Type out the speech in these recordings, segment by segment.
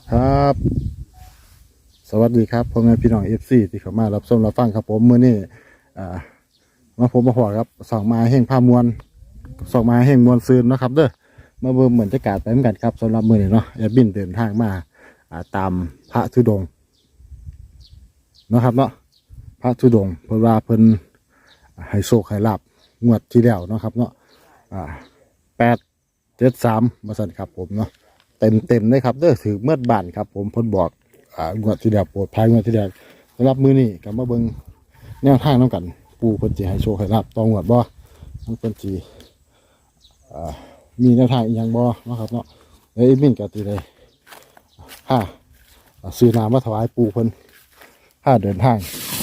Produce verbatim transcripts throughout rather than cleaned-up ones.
ครับสวัสดีครับพ่อแม่พี่น้องเอฟซีที่เข้ามารับชมรับฟังครับผมมื้อนี้อ่ามาผมมาพอครับสองมาแห่งผ้ามวลสองมาแห่งมวลซืนเนาะครับเด้อมาเบิ่งเหมือนจะกาดไปเหมือนกันครับสำหรับมื้อนี้เนาะแอดบินเดินทางมาอ่าตามพระธุดงค์เนาะครับเนาะพระธุดงค์เพิ่นว่าเพิ่นให้โชคให้ลาบงวดที่แล้วเนาะครับเนาะอ่าแปดเจ็ดสามมาสั่นครับผมเนาะเต็มเต็มเลยครับเด้อถือเมื่อบ้านครับผมเพิ่นบอกอ่างวดที่แล้วโปรดภัยงวดที่แล้วสำหรับมื้อนี้ก็มาเบิ่งแนวทางนำกันปูเพิ่นสิให้โชคให้ลาบต่องวดบ่มันเพิ่นสิอ่ามีแนวทางอีหยังบ่เนาะครับเนาะเอ้ยมินก็สิได้ฮ่าซื้อน้ำมาถวายปูเพิ่นฮ่าเดินทาง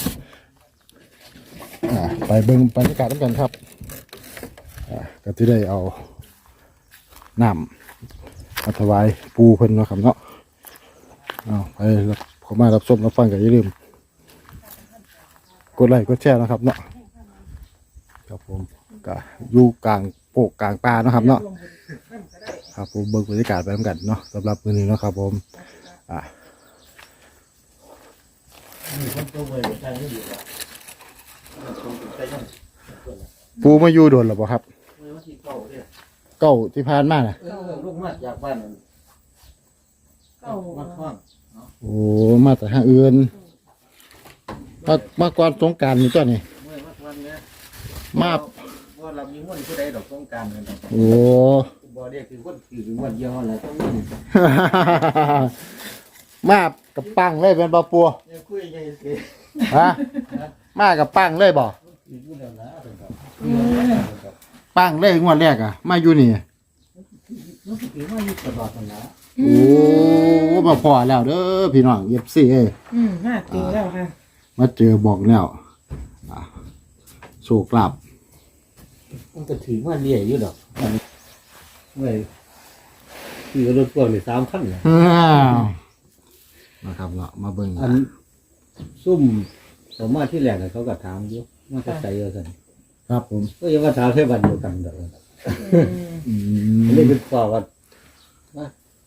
อ่าไปเบิ่งบรรยากาศนำกันครับอ่าก็สิได้เอาน้ำมาถวายปูเพิ่นเนาะครับเนาะเอาไปเข้ามารับชมรับฟังกันอย่าลืมกดไลค์กดแชร์นะครับเนาะครับผมก็อยู่กลางโปกกลางป่าเนาะครับเนาะครับผมเบิ่งบรรยากาศไปเหมือนกันเนาะสำหรับมื้อนี้เนาะครับผมอ่าปูมาอยู่โดนหรือเปล่าครับเก้าที่ผ่านมาน่ะลูกมาจากบ้านนั่นเก้ามาคว้างโอ้มาแต่ทางอื่นมามาก่อนสงกรานต์นี่ตัวนี้เมื่อวันเนี้ยมาว่าเรามีม้วนผู้ใดดอกต้องการกันดอกโอ้บ่ได้คือม้วนคือม้วนเดียวแหละต้องม้วนมากับปังเลยเป็นบ่ปัวเนี่ยคุยยังไงสิฮะมากับปังเลยบ่คือผู้เดียวนะเป็นแบบปังเลยงวดแรกอ่ะมาอยู่นี่มันคือว่าอยู่ตลอดนะโอ้มาพอแล้วเด้อพี่น้องเอฟซีเอ้ยอืมมาเจอแล้วค่ะมาเจอบอกแล้วอ่ะโชคลาภมันก็ถือว่าเลี้ยอยู่ดอกเมื่อคือรถพ่วงนี่สามคันนะอ้าวนะครับเนาะมาเบิ่งอันซุ่มสมมาที่แรกเขาก็ถามอยู่ว่าจะใส่เอาซั่นครับผมก็ยังว่าถามแค่วันเดียวกันดอกอืมเลยเป็นฝ่าว่าว่า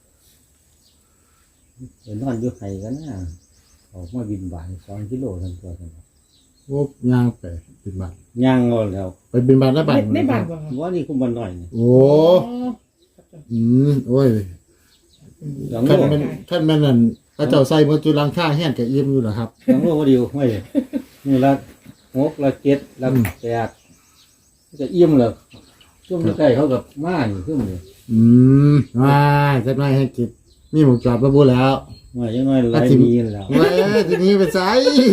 เดี๋ยวนอนอยู่ไห้กันนะออกมาบินบ่ายสองกิโลทั้งตัวทั้งโอ้ย่างไปบินบาทย่างงอแล้วไปบินบาทได้บ้านได้บาทบ่ค่ะว่านี่คุมบันหน่อยนี่โอ้อืมโอ้ยหลังท่านโลแม่นท่านแม่นนั่นพระเจ้าใส่เมื่อจุลังค่าแห้งกับอิ่มอยู่เหรอครับหลังโลว่าเดียวไม่นี่ละหกละเจ็ดละแปดจะเอี่ยมเลยช่วงใกล้เขากับม่านขึ้นเลยอืมว้ายจะไม่ให้กิดมีหมูจอดมาบูแล้วว่ายังน้อยร้อยมีแล้วเว้ยทีนี้ไปใส่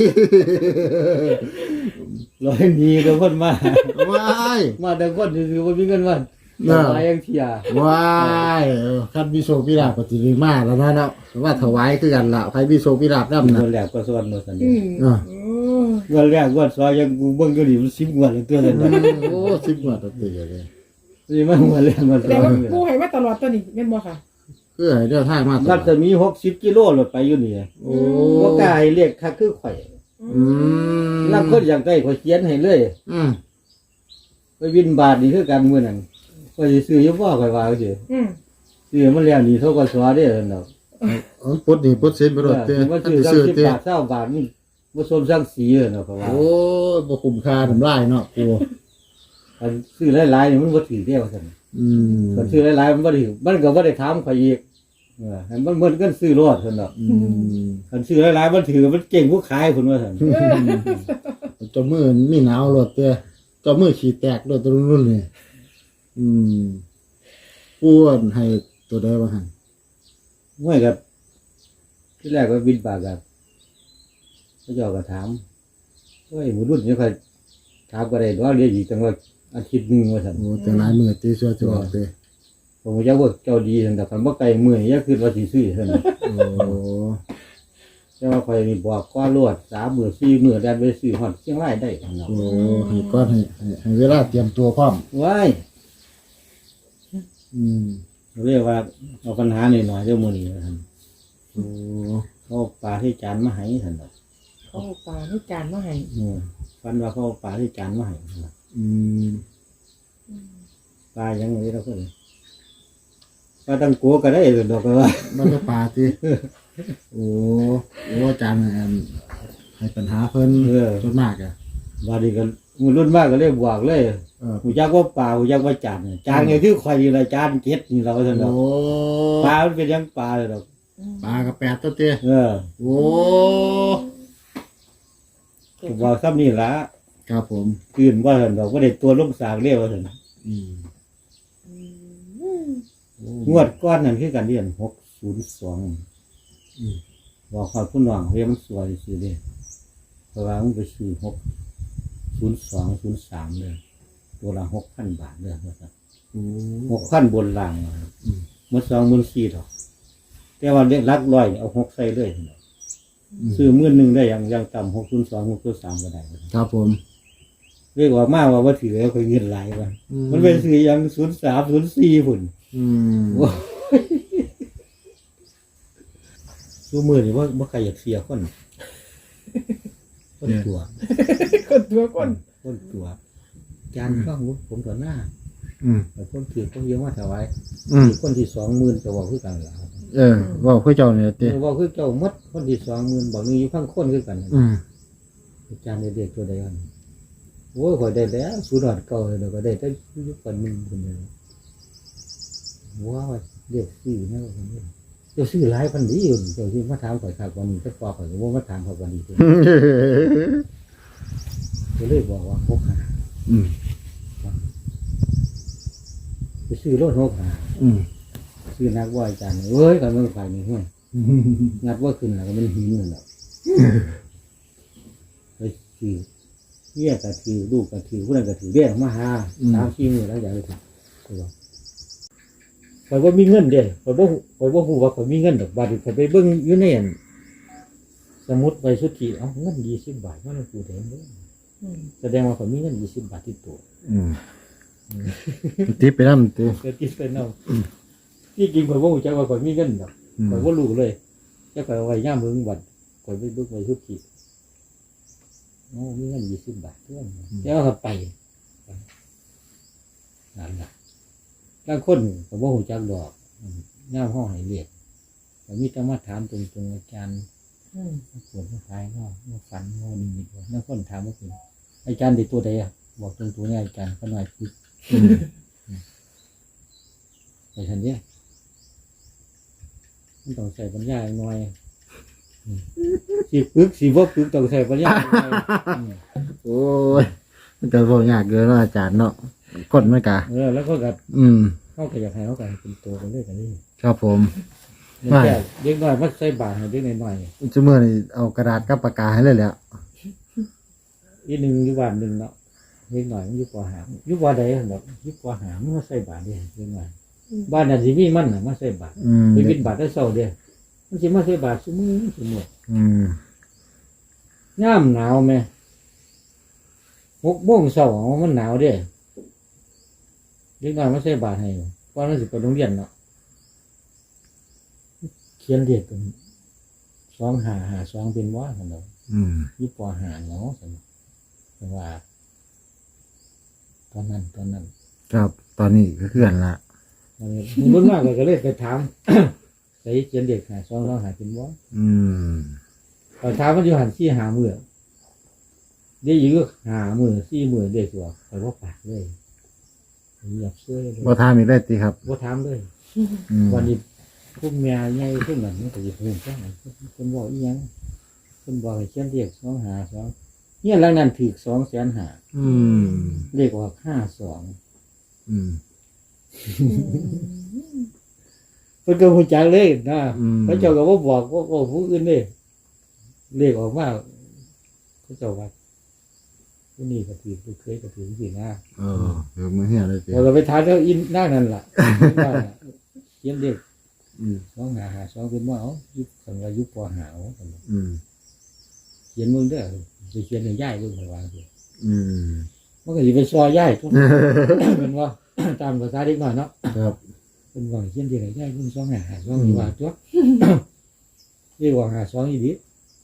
ร้อยมีก็พ่นมาว้ายมาแต่คนคือว่ามีเงินวันตายยังเทียว้ายเออคันมีโชคพิราบปฏิริมาแล้วนะเนาะว่าถวายคือกันละใครมีโชคพิราบนั่นเงินะนแรกก็ส่วนมาสันอืมอ่าโอ้เงินแรกวันสองยังกูเบิ่งก็ดีมันสิบวันเลยตัวนั้นโอ้สิบกว่าตัวตีเลยนี่มันเงินแรกมันแสดงว่าผู้ให้มาตลอดตัวนี้แม่นบ่ค่ะคือให้เดินทางมาตลรัอศดมีหกสิบกิโลรถไปอยู่นี่โอ้ว่ากายเรียกค่าคือข่อยอืมรับคนอย่างใดข่อยเขียนให้เลยอืมไปวินบาทนี่คือกันมื้อนั้นข่อยสิซื้ออยู่บ่ข่อยว่าซื่ออืมซื้อมันแล้วนี่เท่ากับสวเด้อเนาะอ๋อปุ๊ดนี่ปุ๊ดเส้นไปรถเต้มันท่านซื้อสิสามซื้อสิบเต้บาทเก้าบาทนี่บ่สมสังสีเนาะเขาว่าโอ้บ่คุ้มค่าทำลายเนาะกูอันซื้อหลายๆนี่มันบ่ถือเด้ว่าซั่นอืมคันซื้อหลายๆมันบ่ถือมันก็บ่ได้ถามข่อยอีกเออให้มันเหมือนกันซื้อรถซั่นเนาะอืมคันซื้อหลายๆมันถือมันเก่งผู้ขายพุ่นว่าซั่นเจ้ามือมีหนาวรถเต้เจ้ามือขี้แตกรถตัวรุ่นนี่อืมป้วนให้ตัวใดว่าหั่นม่วยกับที่แรกก็บินปากกับพระเจ้าก็ถามเฮ้ยหมูรุ่นนี่ใครถามก็ได้ว่าเรียกอีกจังว่าอาทิตย์หนึงว่าซั่นโอ้แต่หลายมือตีชั่วจะออกเต้ผมก็จะว่าเจ้าดีซั่นแต่คันบ่ไกลมื้อนี้อย่าคิดว่าสิซื้อซั่นโอ้แต่ว่าข่อยนี่บอกก่อนรวดสามมื้อสี่มื้อแล่นไปซื้อฮอดเชียงรายได้ซั่นเนาะโอ้ให้ก้อนให้ให้ให้เวลาเตรียมตัวพร้อมว้ายอืมเรียกว่าเอาปัญหาหน่อยๆเด้อมื้อนี้ว่าซั่นโอ้เขาเอาปลาที่จานมาให้ซั่นเนาะเขาเอาปลาให้จานมาให้เออฟันว่าเขาเอาปลาที่จานมาให้ซั่นเนาะอืมปลายังไงเราก็เลยปลาตังโกก็ได้ดอกว่ามันก็ปลาติโอ้โอ้อาจารย์อันให้ปัญหาเพิ่นเออส่วนมากอ่ะบาดนี้ก็มือรุ่นมากก็เลยบวกเลยเออหูจักว่าปลาหูจักว่าจานเนี่ยจานเนี่ยคือข่อยนี่ล่ะจานเก็ดนี่เราซั่นดอกโอ้ปลามันเป็นหยังปลาเลยดอกปลากับแปดตัวเตี้ยเออโอ้บอกซ้ำนี่ล่ะครับผมตื่นว่าซั่นดอกบ่ได้ตัวลงสากเรียกว่าซั่นอืมงวดก้อนนั่นคือกันเรียนหกศูนย์สองอืมบอกเขาผู้น้องเรียนมันสวยสิเด้เพราะว่ามันไปซื้อหกศูนย์สองศูนย์สามเลยตัวละหกพันบาทเลยว่าซั่นโอ้หกพันบนล่างอะอืมมันสองหมื่นสี่ดอกแต่ว่าเรียกลักร้อยนี่เอาหกใส่เลยซั่นดอกมซื้อหมื่นหนึ่งได้อย่างอย่างต่ำหกศูนย์สองหกศูนย์สามก็ได้ว่าซั่นครับผมเรียกว่ามาว่าว่าถือแล้วคอยเงินหลายว่าอืมันเป็นซื้ออย่างศูนย์สามศูนย์สี่พุ่นอืมโอ้ยดูมือนี่ว่าว่าใครอยากเสียคนคนตัวคนตัวคนคนตัวจานข้างวุ้ผมต่อหน้าอืมแต่คนถือต้องเยอะมาถวายอืมคนที่สองหมื่นจะบอกคือกันล่ะเออว่าเพื่อเจ้าเนี่ยเตี้ยบอกคือเจ้ามัดคนที่สองหมื่นบอกนี่อยู่ข้างคนคือกันอืมจานเด็กตัวใดกันโอ้ยข่อยได้แล้วสูดอดเก่าเลยเดี๋ยวก็ได้แต่ยุคก่อนหนึ่งคนเดียวว้าวเด็กซื้อนะคนนี้เจ้าซื้อหลายพันดีอยู่เจ้าซื้อมาถามข่อยขาดวันนี้ก็ฟอข่อยก็ว่ามาถามข่อยวันนี้ก็เลยบอกว่าหกหาอืมไปซื้อรถหกหาอืมซื้อนักว่าอาจารย์เอ้ยกันเมื่อฝ่ายนี้เฮ้ยงัดว่าขึ้นแล้วก็มันหินเงินแล้วไปซื้อเยี่ยกระถือลูกกระถือผู้นั้นกระถือเรียกมาหาสามสี่มือแล้วอย่างไรถูกข่อยว่ามีเงินเด้ข่อยว่าข่อยว่าหูว่าข่อยมีเงินดอกบาทข่อยไปเบิ้งอยู่ในอันสมุดไปสุทธิเอ้าเงินยี่สิบบาทว่ามันกูเห็นเด้อืมแสดงว่าข่อยมีเงินยี่สิบบาทที่ตัวอืมติดไปน้ำเตี้ยเกิดที่เป็นเอาที่จริงข่อยว่าหูจักว่าข่อยมีเงินดอกอืมข่อยว่ารู้เลยจะข่อยเอาไว้ย่ามเบิ้งบัตรข่อยไปเบิ้งไปสุทธิโอ้มีเงินยี่สิบบาทเพื่อนแล้วเขาไปนั่นแหละบางคนข่อยว่าหูจักดอกย่ามห้องให้เรียกข่อยมีแต่มาถามตรงๆอาจารย์อืมปวดท้ายก็มาฝันโง่นิมิตว่านักคนถามว่าคืออาจารย์เด็กตัวใดอ่ะบอกตรงตัวนี้อาจารย์เขาหน่อยคือไปทันเนี้ยมันต้องใส่ปัญญาหน่อยสีปึกสีว่าปึกต้องใส่ปัญญาหน่อยโอ้ยมันจะบอกยากเกินเนาะอาจารย์เนาะคนไม่กะเออแล้วก็กับอืมเข้ากับอยากให้เขากันเป็นตัวกันเลยกันนี่ครับผมมันแค่เด็กน้อยมันใส่บาทให้เด็กน้อยจุเมื่อนี่เอากระดาษกับปากกาให้เลยแหล้วๆอีหนึ่งอยู่บ้านหนึ่งเนาะเด็กน้อยมันอยู่ปอหางอยู่ปอใดแบบอยู่ปอหางมันมาใส่บาทเดียวเด็กน้อยบ้านนั้นสิมีมันน่ะมาใส่บาทอืมไปบินบาทได้เศร้าเดียวมันสิมาใส่บาทสมือสมืออืมย่ามหนาวไหมหกโมงเศร้ามันหนาวเด้เด็กน้อยมาใส่บาทให้เพราะมันสิไปโรงเรียนเนาะเขียนเรียกกันสองหาหาสองเป็นว่าสนองอืมยี่ปอหาเนาะสนองแต่ว่า ตอนนั้นตอนนั้นครับตอนนี้ก็เคลื่อนละมันรุ่นมากก็เลยไปถาม ใส่เขียนเด็กหาสองสองหาเป็นว่าอืมตอนเช้ามันอยู่หันซี่หามือเดี๋ยวอยู่ก็หามือซี่มือเด็กตัวแต่ว่าปากเลยเหยียบเสื้อเลยบ่ทามอีกได้ตีครับว่าถามเลยอืมวันนี้พวกเมียใหญ่พวกนั้นมันก็จะเพิ่มจังคนบอกอีหยังคนบอกให้เขียนเด็กสองหาสองเนี่ยหลังนั้นถือสองแสนหาอืมเลขว่าห้าสองอืมเพิ่นก็หูจักเลยนะอืมพระเจ้าก็บ่บอกว่าว่าผู้อื่นเด้เลขออกมาพระเจ้าว่าผู้นี้ก็ถือผู้เคยก็ถือสินะเออเดี๋ยวมือเหี้ยเลยตีพอเราไปทานแล้วอินหน้านั่นล่ะว่าเขียนเลขอืมสองหาหาสองเป็นว่าเอายุบสังว่ายุบปอหาเอาอืมเขียนมึงเด้อไปเขียนให้ย่ายเบิ่งให้วางสิอืมมันก็สิไปซอยย่ายทุก เป็นว่า ตามภาษาเด็กน้อยเนาะครับเป็นว่าเขียนที่ไหนย่ายเบิ่งสองหาหาสองนี่ว่าตัว เรียกว่าหาสองอีดี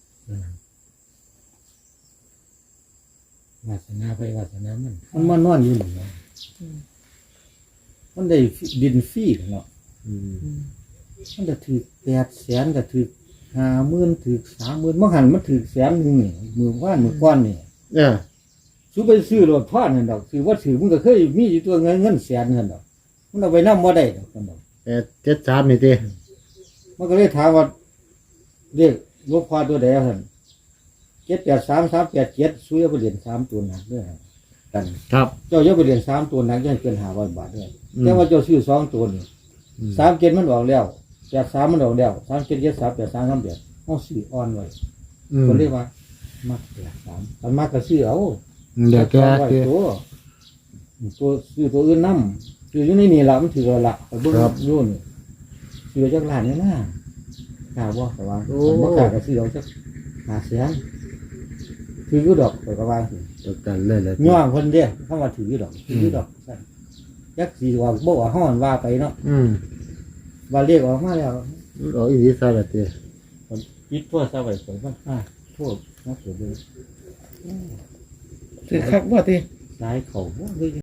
วาสนาไปวาสนามันมันมานอนอยู่นี่เนาะมันได้ดินฟรีเนาะอืมมันจะถือแปดแสนก็ถือห้าหมื่นถือสามหมื่นมื่อหันมันถือแสนหนึ่งนี่มือว่านมือก้อนนี่เออซื้อไปซื้อรถพ่อนั่นดอกถือว่าถือมึงก็เคยมีอยู่ตัวเงินเงินแสนนั่นดอกมันเอาไปนั่งบ่ได้ดอกกันดอกแปดเจ็ดสามนี่ติมันก็เลยถามว่าเรียกลูกพ่อตัวใดเหรอเจ็ดแปดสามสามแปดเจ็ดซื้อเอาไปเหรียญสามตัวหนักด้วยกันครับเจ้าเยอะไปเหรียญสามตัวหนักยังเกินห้าร้อยบาทด้วยอืมแต่ว่าเจ้าซื้อสองตัวนี่อืมสามเจ็ดมันออกแล้วแปดสามมันออกแล้วสามเจ็ดเจ็ดสามแปดสามสามแปดเอาซื้ออ่อนไว้อืมก็เรียกว่ามักแปดสามมันมักก็ซื้อเอาเดี๋ยวแกสองร้อยคือตัวตัวซื้อตัวอื่นน้ำซื้ออยู่ในนี่ละมันถือละละไปเบิ่งรุ่นซื้อจากร้านนี่นะกล้าบ่แต่ว่าบ่กล้าก็ซื้อเอาจักหาเสียงถืออยู่ดอกไปก็ว่าสิตกกันเลยแหละย่องเพิ่นเด้คำว่าถืออยู่ดอกถืออยู่ดอกซั่นยักสิว่าบ่ว่าฮ้อนว่าไปเนาะอืมว่าเรียกออกมาแล้วเอาอีกทีซะละติปิดโทรศัพท์ไว้ก่อนมันอ่าโทษนะเกิดเลยถือคักว่าติสายเขาบ่เลย